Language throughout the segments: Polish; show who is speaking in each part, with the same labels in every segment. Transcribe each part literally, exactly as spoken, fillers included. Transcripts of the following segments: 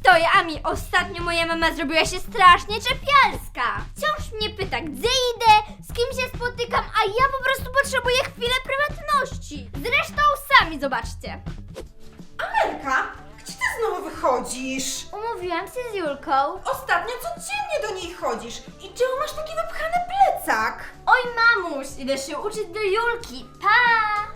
Speaker 1: stoję, Ami. Ostatnio moja mama zrobiła się strasznie czepialska. Wciąż mnie pyta, gdzie idę, z kim się spotykam, a ja po prostu potrzebuję chwilę prywatności. Zresztą sami zobaczcie.
Speaker 2: Amelka, gdzie ty znowu wychodzisz?
Speaker 1: Umówiłam się z Julką.
Speaker 2: Ostatnio codziennie do niej chodzisz. I czemu masz taki wypchany plecak?
Speaker 1: Oj, mamuś, idę się uczyć do Julki. Pa!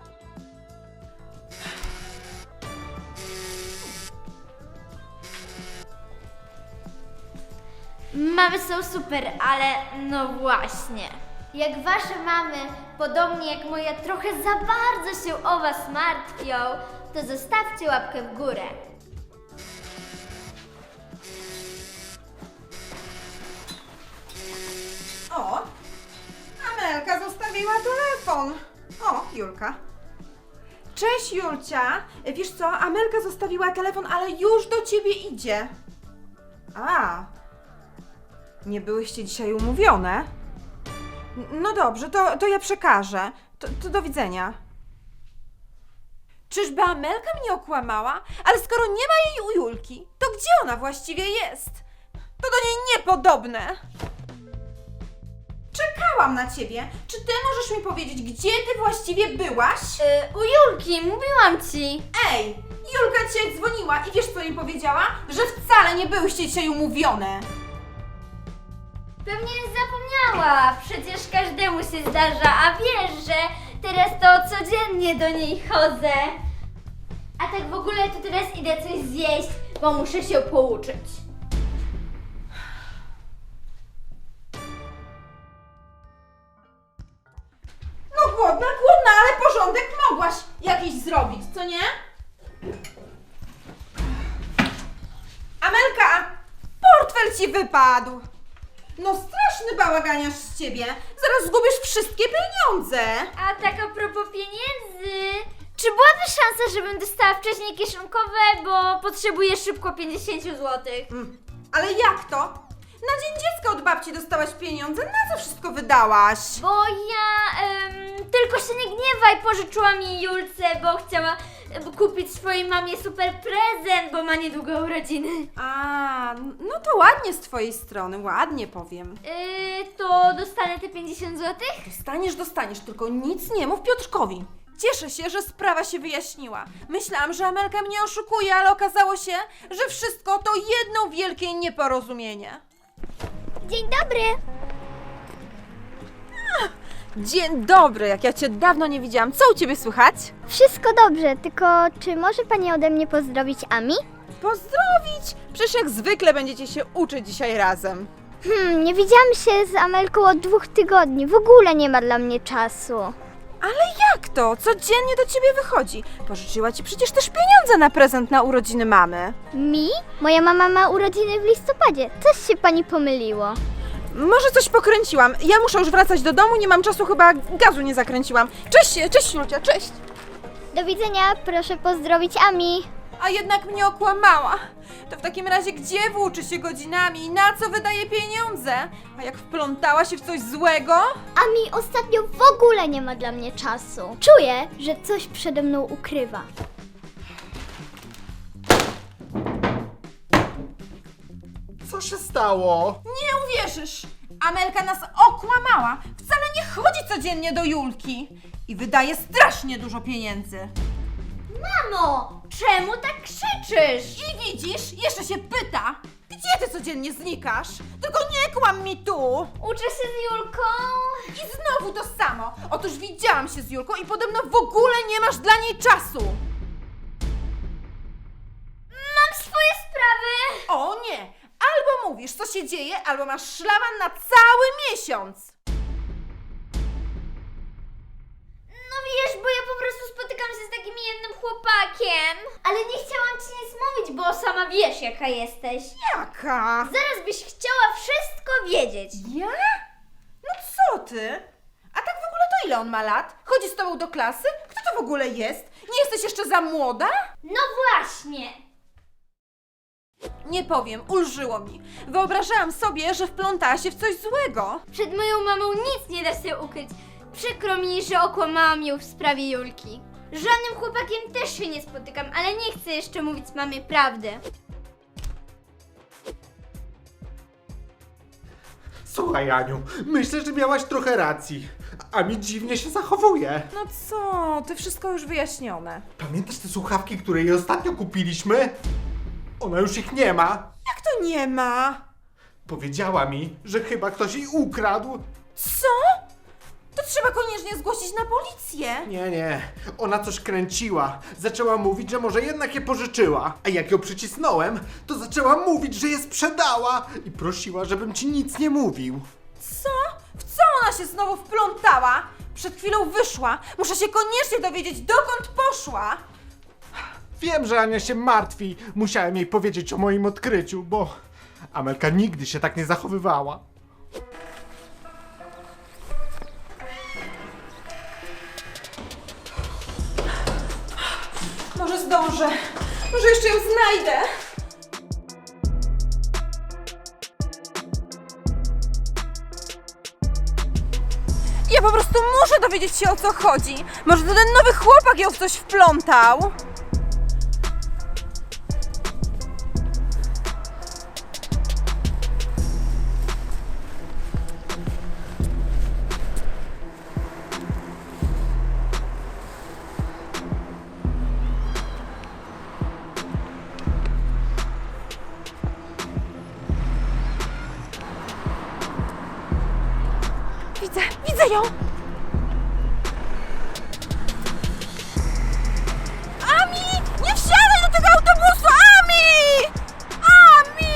Speaker 1: Mamy są super, ale no właśnie. Jak wasze mamy, podobnie jak moja, trochę za bardzo się o was martwią, to zostawcie łapkę w górę.
Speaker 2: O, Amelka zostawiła telefon. O, Julka. Cześć, Julcia. Wiesz co, Amelka zostawiła telefon, ale już do ciebie idzie. A, nie byłyście dzisiaj umówione? N- No dobrze, to, to ja przekażę. To, to do widzenia. Czyżby Amelka mnie okłamała? Ale skoro nie ma jej u Julki, to gdzie ona właściwie jest? To do niej niepodobne. Czekałam na ciebie. Czy ty możesz mi powiedzieć, gdzie ty właściwie byłaś?
Speaker 1: Yy, u Julki, mówiłam ci.
Speaker 2: Ej, Julka cię dzwoniła i wiesz co mi powiedziała? Że wcale nie byłyście dzisiaj umówione.
Speaker 1: Pewnie zapomniała, przecież każdemu się zdarza, a wiesz, że teraz to codziennie do niej chodzę. A tak w ogóle to teraz idę coś zjeść, bo muszę się pouczyć.
Speaker 2: No głodna, głodna, ale porządek mogłaś jakiś zrobić, co nie? Amelka, portfel ci wypadł. No straszny bałaganiarz z ciebie. Zaraz zgubisz wszystkie pieniądze.
Speaker 1: A tak a propos pieniędzy, czy byłaby szansa, żebym dostała wcześniej kieszonkowe, bo potrzebuję szybko pięćdziesiąt złotych?
Speaker 2: Mm, ale jak to? Na dzień dziecka od babci dostałaś pieniądze, na co wszystko wydałaś?
Speaker 1: Bo ja em, tylko się nie gniewaj, pożyczyłam jej Julce, bo chciała em, kupić swojej mamie super prezent, bo ma niedługo urodziny.
Speaker 2: A, no to ładnie z twojej strony, ładnie powiem.
Speaker 1: Yy, to dostanę te pięćdziesiąt złotych?
Speaker 2: Dostaniesz, dostaniesz, tylko nic nie mów Piotrkowi. Cieszę się, że sprawa się wyjaśniła. Myślałam, że Amelka mnie oszukuje, ale okazało się, że wszystko to jedno wielkie nieporozumienie.
Speaker 3: Dzień dobry!
Speaker 2: Dzień dobry, jak ja cię dawno nie widziałam. Co u ciebie słychać?
Speaker 3: Wszystko dobrze, tylko czy może pani ode mnie pozdrowić Ami?
Speaker 2: Pozdrowić! Przecież jak zwykle będziecie się uczyć dzisiaj razem.
Speaker 3: Hmm, nie widziałam się z Amelką od dwóch tygodni, w ogóle nie ma dla mnie czasu.
Speaker 2: Ale jak to? Codziennie do ciebie wychodzi. Pożyczyła ci przecież też pieniądze na prezent na urodziny mamy.
Speaker 3: Mi? Moja mama ma urodziny w listopadzie, coś się pani pomyliło.
Speaker 2: Może coś pokręciłam. Ja muszę już wracać do domu, nie mam czasu, chyba gazu nie zakręciłam. Cześć, cześć Julcia, cześć!
Speaker 3: Do widzenia, proszę pozdrowić Ami.
Speaker 2: A jednak mnie okłamała. To w takim razie gdzie włóczy się godzinami i na co wydaje pieniądze? A jak wplątała się w coś złego?
Speaker 3: Ami ostatnio w ogóle nie ma dla mnie czasu. Czuję, że coś przede mną ukrywa.
Speaker 4: Co się stało?
Speaker 2: Nie uwierzysz! Amelka nas okłamała. Wcale nie chodzi codziennie do Julki. I wydaje strasznie dużo pieniędzy.
Speaker 1: Mamo, czemu tak krzyczysz?
Speaker 2: I widzisz, jeszcze się pyta, gdzie ty codziennie znikasz? Tylko nie kłam mi tu!
Speaker 1: Uczę się z Julką.
Speaker 2: I znowu to samo. Otóż widziałam się z Julką i podobno w ogóle nie masz dla niej czasu.
Speaker 1: Mam swoje sprawy.
Speaker 2: O nie! Albo mówisz, co się dzieje, albo masz szlaban na cały miesiąc.
Speaker 1: No wiesz, bo ja po prostu spotykam się z takim jednym chłopakiem. Ale nie chciałam ci nic mówić, bo sama wiesz, jaka jesteś.
Speaker 2: Jaka?
Speaker 1: Zaraz byś chciała wszystko wiedzieć.
Speaker 2: Ja? No co ty? A tak w ogóle to ile on ma lat? Chodzi z tobą do klasy? Kto to w ogóle jest? Nie jesteś jeszcze za młoda?
Speaker 1: No właśnie.
Speaker 2: Nie powiem, ulżyło mi. Wyobrażałam sobie, że wplątała się w coś złego.
Speaker 1: Przed moją mamą nic nie da się ukryć. Przykro mi, że okłamałam ją w sprawie Julki. Żadnym chłopakiem też się nie spotykam, ale nie chcę jeszcze mówić mamie prawdy.
Speaker 4: Słuchaj, Aniu, myślę, że miałaś trochę racji. A mi dziwnie się zachowuje.
Speaker 2: No co, ty wszystko już wyjaśnione.
Speaker 4: Pamiętasz te słuchawki, które jej ostatnio kupiliśmy? Ona już ich nie ma.
Speaker 2: Jak to nie ma?
Speaker 4: Powiedziała mi, że chyba ktoś jej ukradł.
Speaker 2: Co? To trzeba koniecznie zgłosić na policję.
Speaker 4: Nie, nie, ona coś kręciła. Zaczęła mówić, że może jednak je pożyczyła. A jak ją przycisnąłem, to zaczęła mówić, że je sprzedała. I prosiła, żebym ci nic nie mówił.
Speaker 2: Co? W co ona się znowu wplątała? Przed chwilą wyszła. Muszę się koniecznie dowiedzieć, dokąd poszła.
Speaker 4: Wiem, że Ania się martwi. Musiałem jej powiedzieć o moim odkryciu, bo Amelka nigdy się tak nie zachowywała.
Speaker 2: Może zdążę. Może jeszcze ją znajdę. Ja po prostu muszę dowiedzieć się, o co chodzi. Może to ten nowy chłopak ją w coś wplątał. Widzę, widzę ją! Ami! Nie wsiadaj do tego autobusu! Ami! Ami!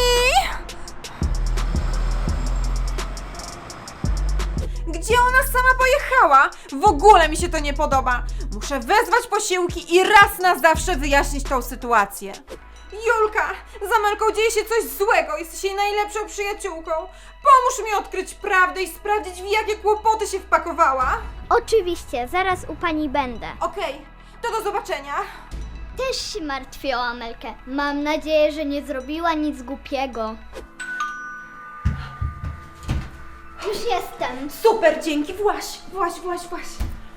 Speaker 2: Gdzie ona sama pojechała? W ogóle mi się to nie podoba. Muszę wezwać posiłki i raz na zawsze wyjaśnić tą sytuację. Julka, z Amelką dzieje się coś złego. Jesteś jej najlepszą przyjaciółką. Pomóż mi odkryć prawdę i sprawdzić, w jakie kłopoty się wpakowała.
Speaker 3: Oczywiście, zaraz u pani będę.
Speaker 2: Okej, to do zobaczenia.
Speaker 3: Też się martwię o Amelkę. Mam nadzieję, że nie zrobiła nic głupiego. Już jestem.
Speaker 2: Super, dzięki. Właś, właś, właś, właś.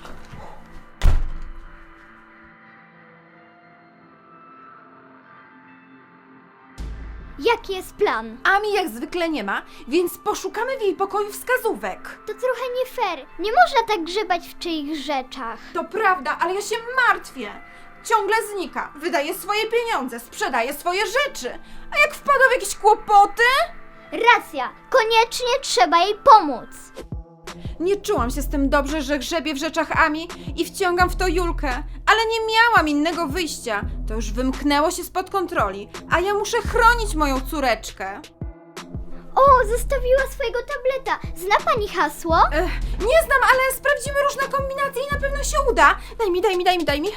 Speaker 3: Jaki jest plan?
Speaker 2: Ami jak zwykle nie ma, więc poszukamy w jej pokoju wskazówek.
Speaker 3: To trochę nie fair. Nie można tak grzebać w czyich rzeczach.
Speaker 2: To prawda, ale ja się martwię. Ciągle znika, wydaje swoje pieniądze, sprzedaje swoje rzeczy. A jak wpada w jakieś kłopoty?
Speaker 3: Racja, koniecznie trzeba jej pomóc.
Speaker 2: Nie czułam się z tym dobrze, że grzebię w rzeczach Ami i wciągam w to Julkę, ale nie miałam innego wyjścia. To już wymknęło się spod kontroli, a ja muszę chronić moją córeczkę.
Speaker 3: O, zostawiła swojego tableta. Zna pani hasło?
Speaker 2: Ech, nie znam, ale sprawdzimy różne kombinacje i na pewno się uda. Daj mi, daj mi, daj mi, daj mi.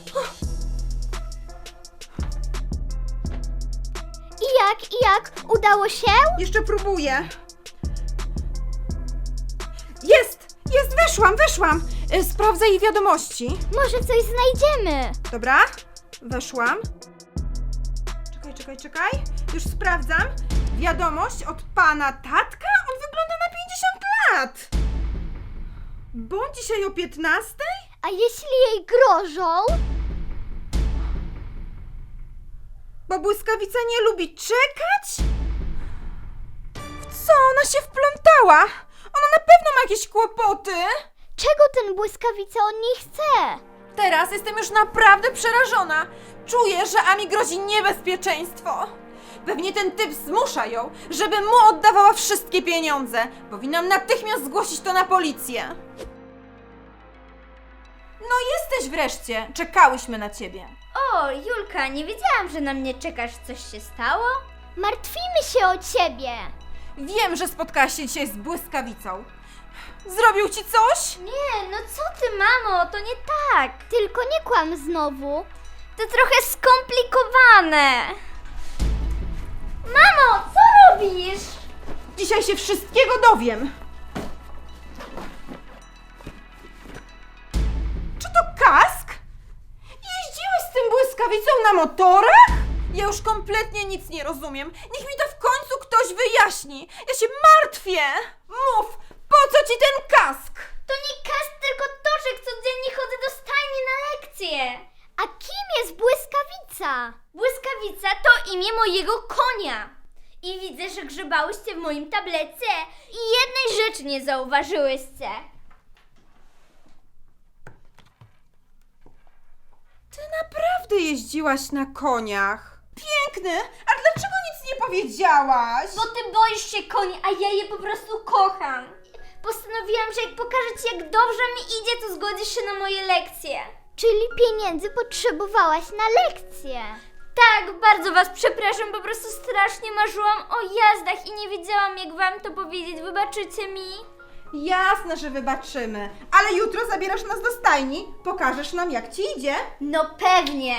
Speaker 3: I jak, i jak? Udało się?
Speaker 2: Jeszcze próbuję. Jest! Jest! Weszłam, weszłam! Y, Sprawdzę jej wiadomości.
Speaker 3: Może coś znajdziemy.
Speaker 2: Dobra, weszłam. Czekaj, czekaj, czekaj. Już sprawdzam. Wiadomość od pana tatka? On wygląda na pięćdziesiąt lat. Bądź dzisiaj o piętnastej?
Speaker 3: A jeśli jej grożą?
Speaker 2: Bo błyskawica nie lubi czekać? W co ona się wplątała? Ona na pewno ma jakieś kłopoty.
Speaker 3: Czego ten błyskawica od niej chce?
Speaker 2: Teraz jestem już naprawdę przerażona. Czuję, że Ami grozi niebezpieczeństwo. Pewnie ten typ zmusza ją, żeby mu oddawała wszystkie pieniądze. Powinnam natychmiast zgłosić to na policję. No jesteś wreszcie. Czekałyśmy na ciebie.
Speaker 1: O, Julka, nie wiedziałam, że na mnie czekasz. Coś się stało?
Speaker 3: Martwimy się o ciebie.
Speaker 2: Wiem, że spotkałaś się dzisiaj z błyskawicą. Zrobił ci coś?
Speaker 1: Nie, no co ty, mamo, to nie tak.
Speaker 3: Tylko nie kłam znowu.
Speaker 1: To trochę skomplikowane. Mamo, co robisz?
Speaker 2: Dzisiaj się wszystkiego dowiem. Czy to kask? Jeździłeś z tym błyskawicą na motorach? Ja już kompletnie nic nie rozumiem. Niech mi to w końcu ktoś wyjaśni. Ja się martwię. Mów, po co ci ten kask?
Speaker 1: To nie kask, tylko toczek. Codziennie chodzę do stajni na lekcje.
Speaker 3: A kim jest błyskawica?
Speaker 1: Błyskawica to imię mojego konia. I widzę, że grzebałyście w moim tablecie i jednej rzeczy nie zauważyłyście.
Speaker 2: Ty naprawdę jeździłaś na koniach? Piękny! A dlaczego nic nie powiedziałaś?
Speaker 1: Bo ty boisz się koni, a ja je po prostu kocham. Postanowiłam, że jak pokażę ci, jak dobrze mi idzie, to zgodzisz się na moje lekcje.
Speaker 3: Czyli pieniędzy potrzebowałaś na lekcję.
Speaker 1: Tak, bardzo was przepraszam, po prostu strasznie marzyłam o jazdach i nie wiedziałam, jak wam to powiedzieć. Wybaczycie mi?
Speaker 2: Jasne, że wybaczymy. Ale jutro zabierasz nas do stajni. Pokażesz nam, jak ci idzie.
Speaker 1: No pewnie.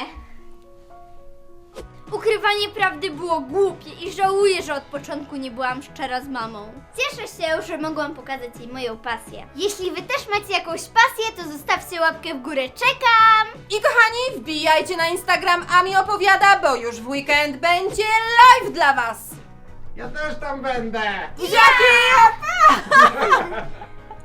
Speaker 1: Ukrywanie prawdy było głupie i żałuję, że od początku nie byłam szczera z mamą. Cieszę się, że mogłam pokazać jej moją pasję. Jeśli wy też macie jakąś pasję, to zostawcie łapkę w górę. Czekam!
Speaker 2: I kochani, wbijajcie na Instagram Ami Opowiada, bo już w weekend będzie live dla was.
Speaker 4: Ja też tam będę!
Speaker 2: Jaki?